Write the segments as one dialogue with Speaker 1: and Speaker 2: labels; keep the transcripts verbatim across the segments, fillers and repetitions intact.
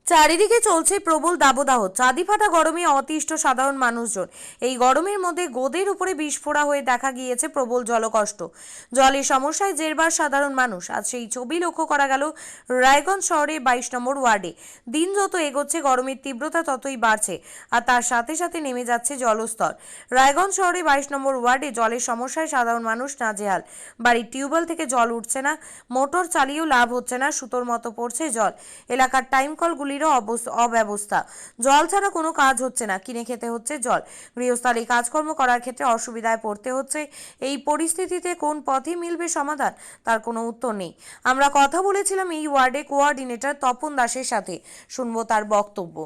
Speaker 1: চারিদিকে চলছে প্রবল দাবদাহ, চাঁদি ফাটা গরমে অতিষ্ঠ সাধারণ মানুষজন। এই গরমের মধ্যে গোদের উপরে বিস্ফোরা হয়ে দেখা গিয়েছে প্রবল জলকষ্ট। জলের সমস্যায় জেরবার সাধারণ মানুষ। আজ সেই ছবি লক্ষ্য করা গেল রায়গঞ্জ শহরে বাইশ নম্বর ওয়ার্ডে। দিন যত এগোচ্ছে গরমের তীব্রতা ততই বাড়ছে, আর তার সাথে সাথে নেমে যাচ্ছে জলস্তর। রায়গঞ্জ শহরে বাইশ নম্বর ওয়ার্ডে জলের সমস্যায় সাধারণ মানুষ নাজেহাল। বাড়ির টিউবওয়েল থেকে জল উঠছে না, মোটর চালিয়েও লাভ হচ্ছে না, সুতোর মতো পড়ছে জল। এলাকার টাইম কলগুলি অব্যবস্থা, জল ছাড়া কোনো কাজ হচ্ছে না, কিনে খেতে হচ্ছে জল। গৃহস্থালী কাজকর্ম করার ক্ষেত্রে অসুবিধায় পড়তে হচ্ছে। এই পরিস্থিতিতে কোন পথে মিলবে সমাধান, তার কোনো উত্তর নেই। আমরা কথা বলেছিলাম এই ওয়ার্ডে কোঅর্ডিনেটর তপন দাসের সাথে, শুনবো তার বক্তব্য।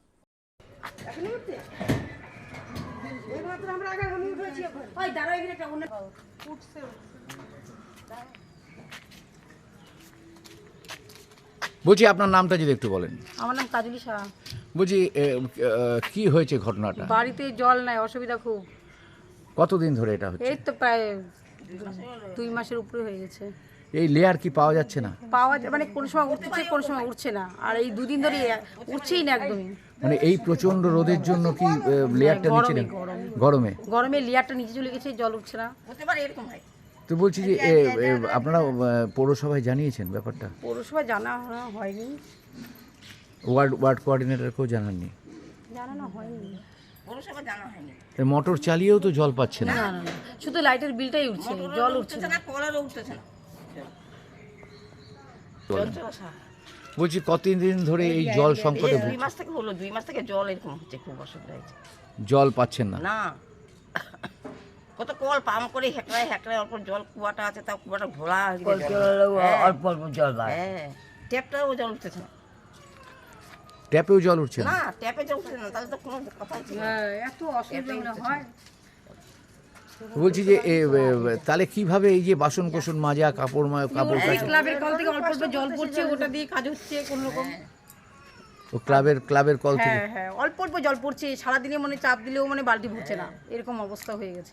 Speaker 2: বলছি আপনার নামটা যদি একটু বলেন।
Speaker 3: আমার নাম কাজলি শাহ।
Speaker 2: বলছি এ, আহ, কি হয়েছে ঘটনাটা?
Speaker 3: বাড়িতে জল নাই, অসুবিধা খুব।
Speaker 2: কতদিন ধরে এটা হচ্ছে?
Speaker 3: এই তো প্রায় দুই মাসের উপরে হয়ে গেছে।
Speaker 2: এই লেয়ার কি পাওয়া যাচ্ছে না?
Speaker 3: পাওয়া যায় মানে কোন সময় উঠছে কোন সময় উঠছে না, আর এই দুদিন ধরে উঠছেই না একদমই।
Speaker 2: মানে এই প্রচন্ড রোদের জন্য কি আহ, লেয়ারটা নিচে নেই? গরমে
Speaker 3: গরমে লেয়ারটা নিচে চলে গেছে, জল উঠছে না।
Speaker 2: তো বলছি যে এ, এ, আপনারা আহ, পৌরসভায় জানিয়েছেন ব্যাপারটা?
Speaker 3: পৌরসভা জানা হয়নি,
Speaker 2: ওয়ার্ড ওয়ার্ড কোঅর্ডিনেটরকেও জানাননি?
Speaker 3: জানানো হয়নি।
Speaker 2: এই মোটর চালিয়েও তো জল পাচ্ছে না।
Speaker 3: না না না, শুধু লাইটের বিলটাই উঠছে, জল উঠছে না।
Speaker 2: বলছি কতদিন ধরে এই জল সংকটে
Speaker 4: দুই
Speaker 2: ভুগছেন?
Speaker 4: মাস থেকে হলো দুই মাস থেকে জল এরকম হচ্ছে, খুব অসুবিধা হয়েছে।
Speaker 2: জল পাচ্ছেন না?
Speaker 4: না, কত কল পাম্প করে হেঁকড়ায় হেঁকড়ায় অল্প জল, কুয়াটা আছে তাও কুয়াটা ঘোলা হয়ে গেছে।
Speaker 5: অল্প অল্প জল হয়।
Speaker 4: হ্যাঁ, ট্যাপটাও জল উঠতেছে না।
Speaker 2: ট্যাপেও জল উঠছে না?
Speaker 4: না, ট্যাপে জল উঠতেছে না, তাহলে তো কোনো কথাই ছিল না।
Speaker 3: হ্যাঁ, এত অসুবিধা হয়।
Speaker 2: বলছি যে এ, এ, তাহলে কিভাবে এই যে বাসন কোসন মাজা, কাপড় মা- কাপড়
Speaker 3: এই
Speaker 2: কাচা,
Speaker 3: ক্লাবের কল থেকে অল্প অল্প জল পড়ছে, ওটা দিয়ে কাজ হচ্ছে কোন রকম।
Speaker 2: ও ক্লাবের ক্লাবের কল থেকে?
Speaker 3: হ্যাঁ হ্যাঁ, অল্প অল্প জল পড়ছে, সারাদিনে মানে চাপ দিলেও মানে বালতি ভরছে না, এরকম অবস্থা হয়ে গেছে।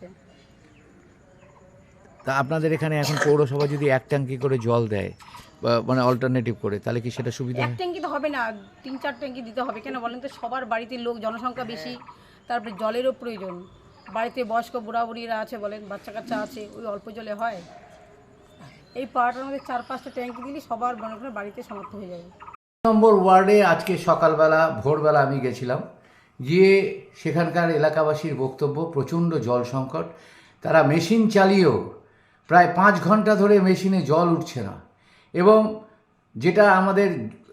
Speaker 2: তা আপনাদের এখানে এখন পৌরসভা যদি এক ট্যাঙ্কি করে জল দেয় বা মানে অল্টারনেটিভ করে, তাহলে কি সেটা সুবিধা
Speaker 3: এক
Speaker 2: হয়?
Speaker 3: ট্যাঙ্কি তো হবে না, তিন চার ট্যাঙ্কি দিতে হবে। কেন বলেন তো, সবার বাড়িতে লোক জনসংখ্যা বেশি, তারপরে জলেরও প্রয়োজন। বাড়িতে বয়স্ক বুড়া বুড়িরা আছে, বলেন বাচ্চা কাচ্চা আছে, ওই অল্প জলে হয়। এই পাড়াটার মধ্যে চার পাঁচটা ট্যাঙ্কি দিলে সবার মনে করেন বাড়িতে সমাপ্ত হয়ে যাবে।
Speaker 2: নম্বর ওয়ার্ডে আজকে সকালবেলা ভোরবেলা আমি গেছিলাম, গিয়ে সেখানকার এলাকাবাসীর বক্তব্য প্রচণ্ড জল সংকট। তারা মেশিন চালিয়েও প্রায় পাঁচ ঘন্টা ধরে মেশিনে জল উঠছে না, এবং যেটা আমাদের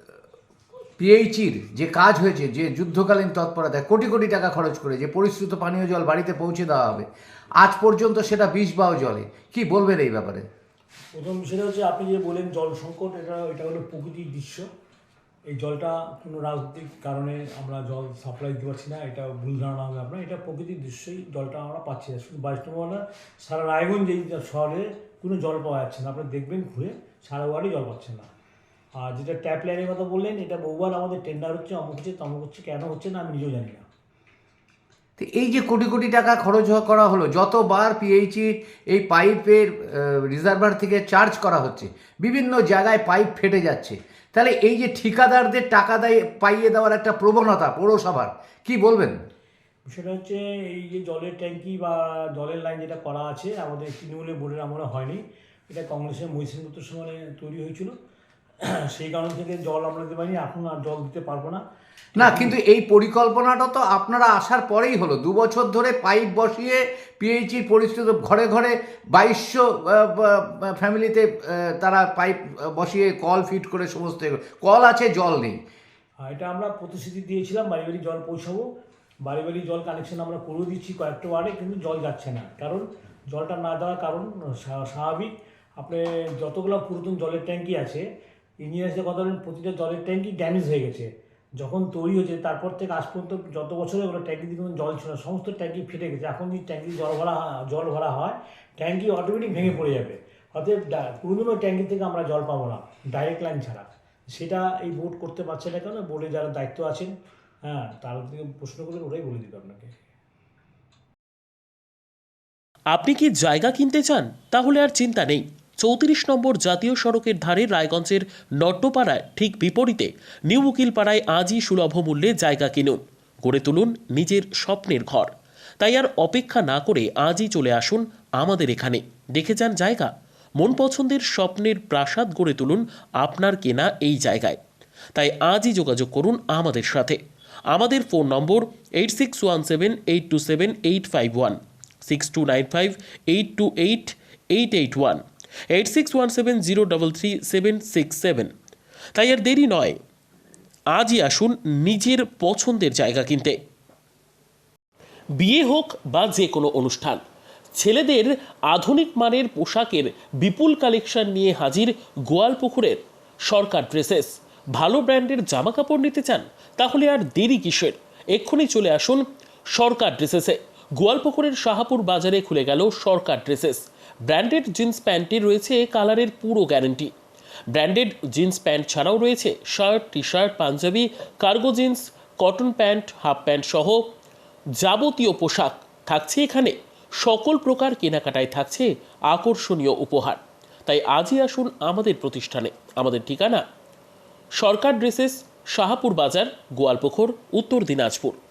Speaker 2: পিএইচির যে কাজ হয়েছে, যে যুদ্ধকালীন তৎপরতায় কোটি কোটি টাকা খরচ করে যে পরিশ্রুত পানীয় জল বাড়িতে পৌঁছে দেওয়া হবে, আজ পর্যন্ত সেটা বিষ বাও জলে। কি বলবেন এই ব্যাপারে?
Speaker 6: প্রথম বিষয়টা হচ্ছে আপনি যে বলেন জল সংকট, এটা এটা হলো প্রকৃতির দৃশ্য। এই জলটা কোনো রাজনৈতিক কারণে আমরা জল সাপ্লাই দিতে পারছি না, এটা ভুল ধারণা হবে আপনার। এটা প্রকৃতির দৃশ্যই, জলটা আমরা পাচ্ছি না। শুধু বাইশ নম্বর না, সারা রায়গঞ্জ এই শহরে কোনো জল পাওয়া যাচ্ছে না। আপনি দেখবেন ঘুরে, সারা ওয়ার্ডে জল পাচ্ছেন না। আর যেটা ট্যাপ লাইনের কথা বললেন, এটা বহুবার আমাদের টেন্ডার হচ্ছে, অমুক হচ্ছে তমুক হচ্ছে, কেন হচ্ছে না আমি নিজেও জানি না।
Speaker 2: তো এই যে কোটি কোটি টাকা খরচ করা হলো, যতবার পিএইচি এই পাইপের রিজার্ভার থেকে চার্জ করা হচ্ছে, বিভিন্ন জায়গায় পাইপ ফেটে যাচ্ছে, তাহলে এই যে ঠিকাদারদের টাকা দেয় পাইয়ে দেওয়ার একটা প্রবণতা পৌরসভার, কি বলবেন?
Speaker 6: বিষয়টা হচ্ছে এই যে জলের ট্যাঙ্কি বা জলের লাইন যেটা করা আছে, আমাদের তৃণমূলের বোর্ডের আমলে হয়নি। এটা কংগ্রেসের মহিষেন দত্তর সময় তৈরি হয়েছিল, সেই কারণ থেকে জল আমরা দিতে পারিনি, এখন আর জল দিতে পারবো না।
Speaker 2: না, কিন্তু এই পরিকল্পনাটা তো আপনারা আসার পরেই হলো। দু বছর ধরে পাইপ বসিয়ে পিএইচির পরিস্থিতি ঘরে ঘরে বাইশশো ফ্যামিলিতে তারা পাইপ বসিয়ে কল ফিট করে সমস্ত কল আছে, জল নেই।
Speaker 6: আর এটা আমরা প্রতিশ্রুতি দিয়েছিলাম বাড়ি বাড়ি জল পৌঁছাবো, বাড়ি বাড়ি জল কানেকশন আমরা করে দিচ্ছি কয়েকটা ওয়ার্ডে, কিন্তু জল যাচ্ছে না। কারণ জলটা না দেওয়ার কারণ স্বাভাবিক, আপনি যতগুলো পুরাতন জলের ট্যাঙ্কি আছে, ইঞ্জিনিয়ার্সের কথা বলেন প্রতিটা জলের ট্যাঙ্কি ড্যামেজ হয়ে গেছে। যখন তৈরি হয়েছে তারপর থেকে আজ পর্যন্ত যত বছরে ওগুলো ট্যাঙ্কি দিয়ে কোনো জল ছিল না, সমস্ত ট্যাঙ্কি ফেটে গেছে। এখন যদি ট্যাঙ্কি জল ভরা জল ভরা হয়, ট্যাঙ্কি অটোমেটিক ভেঙে পড়ে যাবে। অতএব পুরোনো ট্যাঙ্কি থেকে আমরা জল পাবো না ডাইরেক্ট লাইন ছাড়া। সেটা এই বোর্ড করতে পারছে না কেন, বোর্ডে যারা দায়িত্ব আছেন, হ্যাঁ, তার থেকে প্রশ্ন করলে ওরাই বলে দিবে আপনাকে।
Speaker 7: আপনি কি জায়গা কিনতে চান? তাহলে আর চিন্তা নেই, চৌত্রিশ নম্বর জাতীয় সড়কের ধারে রায়গঞ্জের নট্টপাড়ায় ঠিক বিপরীতে নিউ উকিলপাড়ায় আজই সুলভ মূল্যে জায়গা কিনুন, গড়ে তুলুন নিজের স্বপ্নের ঘর। তাই আর অপেক্ষা না করে আজই চলে আসুন আমাদের এখানে, দেখে যান জায়গা। মন পছন্দের স্বপ্নের প্রাসাদ গড়ে তুলুন আপনার কেনা এই জায়গায়। তাই আজই যোগাযোগ করুন আমাদের সাথে। আমাদের phone number eight six one seven eight two seven eight five one, six two nine five eight two eight eight eight one, eight six one seven zero double three seven six seven. তাই আর দেরি নয়, আজই আসুন নিজের পছন্দের জায়গা কিনতে। বিয়ে হোক বা যে কোনো অনুষ্ঠান, ছেলেদের আধুনিক মানের পোশাকের বিপুল কালেকশন নিয়ে হাজির গোয়ালপুকুরের সরকার ড্রেসেস। ভালো ব্র্যান্ডের জামা কাপড় নিতে চান? তাহলে আর দেরি কিসের, এক্ষুনি চলে আসুন সরকার ড্রেসেসে। গোয়ালপুকুরের শাহাপুর বাজারে খুলে গেল সরকার ড্রেসেস। ব্র্যান্ডেড জিন্স প্যান্টে রয়েছে কালারের পুরো গ্যারান্টি। ব্র্যান্ডেড জিন্স প্যান্ট ছাড়াও রয়েছে shirt, T shirt, panjabi, cargo jeans, cotton pant, half pant সহ যাবতীয় পোশাক থাকছে এখানে। সকল প্রকার কেনাকাটায় থাকছে আকর্ষণীয় উপহার। তাই আজই আসুন আমাদের প্রতিষ্ঠানে। আমাদের ঠিকানা সরকার ড্রেসেস, শাহাপুর বাজার, গোয়ালপুকুর, উত্তর দিনাজপুর।